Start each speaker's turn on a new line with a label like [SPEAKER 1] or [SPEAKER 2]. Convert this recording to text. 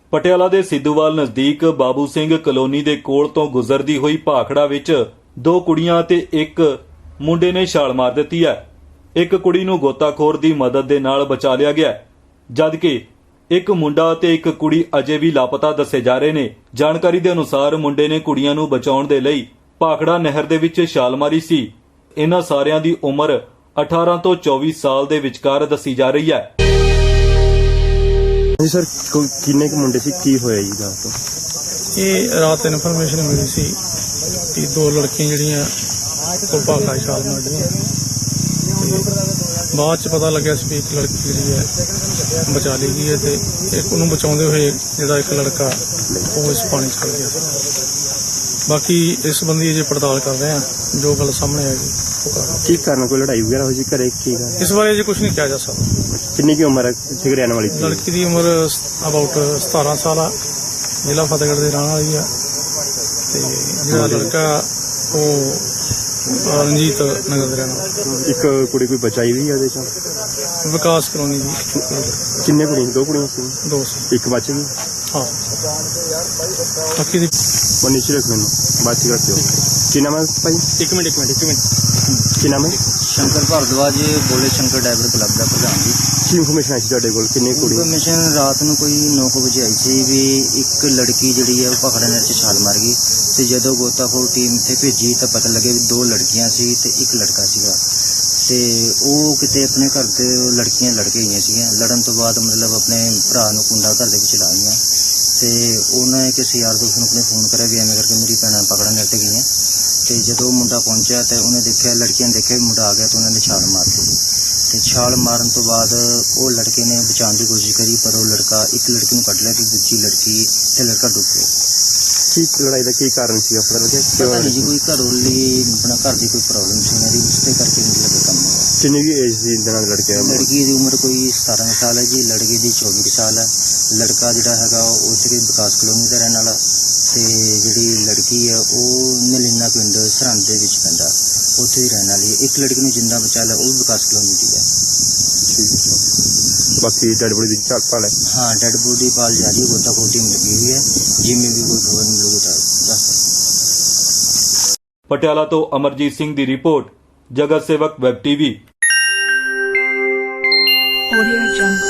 [SPEAKER 1] ਪਟਿਆਲਾ ਦੇ ਸਿੱਧੂਵਾਲ ਨਜ਼ਦੀਕ ਬਾਬੂ ਸਿੰਘ ਕਲੋਨੀ ਦੇ ਕੋਲ ਤੋਂ ਗੁਜ਼ਰਦੀ ਹੋਈ ਭਾਖੜਾ ਵਿੱਚ 2 ਕੁੜੀਆਂ ਤੇ 1 ਮੁੰਡੇ ਨੇ ਛਾਲ ਮਾਰ ਦਿੱਤੀ ਹੈ। ਇੱਕ ਕੁੜੀ ਨੂੰ ਗੋਤਾਖੋਰ ਦੀ ਮਦਦ ਦੇ ਨਾਲ ਬਚਾ ਲਿਆ ਗਿਆ, ਜਦਕਿ ਇੱਕ ਮੁੰਡਾ ਤੇ ਇੱਕ ਕੁੜੀ ਅਜੇ ਵੀ ਲਾਪਤਾ ਦੱਸੇ ਜਾ ਰਹੇ ਨੇ। ਜਾਣਕਾਰੀ ਦੇ ਅਨੁਸਾਰ ਮੁੰਡੇ ਨੇ ਕੁੜੀਆਂ ਨੂੰ ਬਚਾਉਣ ਦੇ ਲਈ ਭਾਖੜਾ ਨਹਿਰ ਦੇ ਵਿੱਚ ਛਾਲ ਮਾਰੀ ਸੀ। ਇਹਨਾਂ ਸਾਰਿਆਂ ਦੀ ਉਮਰ 18 ਤੋਂ 24 ਸਾਲ ਦੇ ਵਿਚਕਾਰ ਦੱਸੀ ਜਾ ਰਹੀ ਹੈ।
[SPEAKER 2] जी सर किन्ने के मुंडे सी की होया जी रात तो
[SPEAKER 3] ये रात इन्फॉर्मेशन मिली सी कि 2 लड़कियां जड़ियां को भाखड़ा छाल मार दियां बाद च पता लग्या सी भी एक लड़की जिहड़ी है बचा ली गई है ते एक उन्होंने बचाउंदे होए जिहड़ा एक लड़का वो इस पानी च चल गया। बाकी इस संबंधी अजे पड़ताल कर रहे हैं, जो गल सामने आएगी
[SPEAKER 2] की कारण कोई लड़ाई वगैरह हो जी घरे की
[SPEAKER 3] इस बारे अजे कुछ नहीं कहा जा सकता।
[SPEAKER 2] किन्नी की उम्र है किथे रहने वाली थी?
[SPEAKER 3] लड़की की उम्र अबाउट 17 साल है, जिला फतेहगढ़ के रहने वाली है ते जिहड़ा लड़का वो रंजीत नगर का रहने वाला।
[SPEAKER 2] एक कुड़ी कोई बचाई हुई है ਉਹਦੇ ਚੋਂ?
[SPEAKER 3] विकास कॉलोनी की
[SPEAKER 2] किन्ने कुड़ियां? 2 कुड़ियां सी,
[SPEAKER 3] 2
[SPEAKER 2] एक बच गई।
[SPEAKER 3] हाँ बाकी दी
[SPEAKER 2] वो नीचे रख मैनू बात ही रखते हो। की नाम है भाई?
[SPEAKER 3] एक मिनट
[SPEAKER 2] की नाम है?
[SPEAKER 4] शंकर भारद्वाज बोले शंकर डाइवर क्लब का प्रधान जी।
[SPEAKER 2] की इन्फॉर्मेशन आई ਤੁਹਾਡੇ ਕੋਲ ਕਿੰਨੇ ਕੁੜੀ?
[SPEAKER 4] इन्फॉर्मेशन रात ਨੂੰ ਕੋਈ 9 ਵਜੇ ਆਈ ਸੀ ਵੀ ਇੱਕ ਲੜਕੀ ਜਿਹੜੀ ਹੈ ਉਹ ਭਾਖੜਾ ਨਹਿਰ 'ਚ ਛਾਲ ਮਾਰ ਗਈ ਤੇ ਜਦੋਂ ਗੋਤਾਖੋਰ ਟੀਮ ਇੱਥੇ ਭੇਜੀ ਤਾਂ ਪਤਾ ਲੱਗਿਆ ਵੀ 2 ਲੜਕੀਆਂ ਸੀ ਤੇ ਇੱਕ ਲੜਕਾ ਸੀਗਾ ਤੇ ਉਹ ਕਿਤੇ ਆਪਣੇ ਘਰ ਤੇ ਲੜਕੀਆਂ ਲੜ ਕੇ ਗਈਆਂ ਸੀਗੀਆਂ। ਲੜਨ ਤੋਂ ਬਾਅਦ ਮਤਲਬ ਆਪਣੇ ਭਰਾ ਨੂੰ ਕੁੰਡਾ ਘਰ ਦੇ ਵਿੱਚ ਲਾ ਗਈਆਂ ਤੇ ਉਹਨਾਂ ਨੇ ਕਿਸੇ ਯਾਰ ਦੋਸਤ ਨੂੰ ਆਪਣੇ ਫੋਨ ਕਰਿਆ ਵੀ ਐਵੇਂ ਕਰਕੇ ਮੇਰੀ ਭੈਣਾਂ ਭਾਖੜਾ ਨਹਿਰ 'ਤੇ ਗਈਆਂ ਤੇ ਜਦੋਂ ਮੁੰਡਾ ਪਹੁੰਚਿਆ ਤੇ ਉਹਨੇ ਦੇਖਿਆ, ਲੜਕੀਆਂ ਨੇ ਦੇਖਿਆ ਵੀ ਮੁੰਡਾ ਆ ਗਿਆ ਤੇ ਉਹਨਾਂ ਨੇ ਛਾਲ ਮਾਰ ਦਿੱਤੀ ਤੇ ਛਾਲ ਮਾਰਨ ਤੋਂ ਬਾਅਦ ਉਹ ਲੜਕੇ ਨੇ ਬਚਾਉਣ ਦੀ ਕੋਸ਼ਿਸ਼ ਕਰੀ ਪਰ ਉਹ ਲੜਕਾ ਇੱਕ ਲੜਕੀ ਨੂੰ ਕੱਢ ਲਿਆ ਤੇ ਦੂਜੀ ਲੜਕੀ ਤੇ ਲੜਕਾ ਡੁੱਬ ਗਿਆ।
[SPEAKER 2] ਕੀ ਲੜਾਈ ਦਾ ਕੀ ਕਾਰਨ ਸੀ ਪਤਾ ਲੱਗਿਆ?
[SPEAKER 4] ਪਤਾ ਨਹੀਂ ਜੀ, ਕੋਈ ਘਰੋਲੀ ਆਪਣਾ ਘਰ ਦੀ ਕੋਈ ਪ੍ਰੋਬਲਮ ਸੀ ਮੇਰੀ, ਉਸਦੇ ਕਰਕੇ ਮਤਲਬ ਇਹ ਕੰਮ ਹੋਇਆ।
[SPEAKER 2] ਕਿੰਨੀ ਵੀ ਏਜ ਸੀ ਇਹਨਾਂ ਦੇ ਲੜਕੇ ਦੀ?
[SPEAKER 4] ਲੜਕੀ ਦੀ ਉਮਰ ਕੋਈ 17 ਸਾਲ ਹੈ ਜੀ, ਲੜਕੇ ਦੀ 24 ਸਾਲ ਹੈ। ਲੜਕਾ ਜਿਹੜਾ ਹੈਗਾ ਉਹ ਉੱਥੇ ਵਿਕਾਸ ਕਲੋਨੀ ਦਾ ਰਹਿਣ ਵਾਲਾ ਤੇ ਜਿਹੜੀ ਲੜਕੀ ਹੈ ਉਹ ਨਲੀਨਾ ਪਿੰਡ ਸਰਹੰਦ ਦੇ ਵਿੱਚ ਪੈਂਦਾ, ਉੱਥੇ ਹੀ ਰਹਿਣ ਵਾਲੀ। ਇੱਕ ਲੜਕੀ ਨੂੰ ਜਿੰਦਾ ਬਚਾ ਲਿਆ, ਉਹ ਵਿਕਾਸ ਕਲੋਨੀ ਦੀ ਹੈ।
[SPEAKER 2] ਬਾਕੀ ਡੈਡ ਬੋਡੀ ਦੀ ਭਾਲ ਹੈ?
[SPEAKER 4] हाँ डेड बॉडी पाल जा रही है, गोताखोर टीम लगी हुई है, जिनमें भी कोई खबर मिलेगी तो दस सकते।
[SPEAKER 1] ਪਟਿਆਲਾ ਤੋਂ ਅਮਰਜੀਤ ਸਿੰਘ ਦੀ ਰਿਪੋर्ट, ਜਗਤ ਸੇਵਕ ਵੈਬ ਟੀਵੀ।
[SPEAKER 5] Audio Jungle।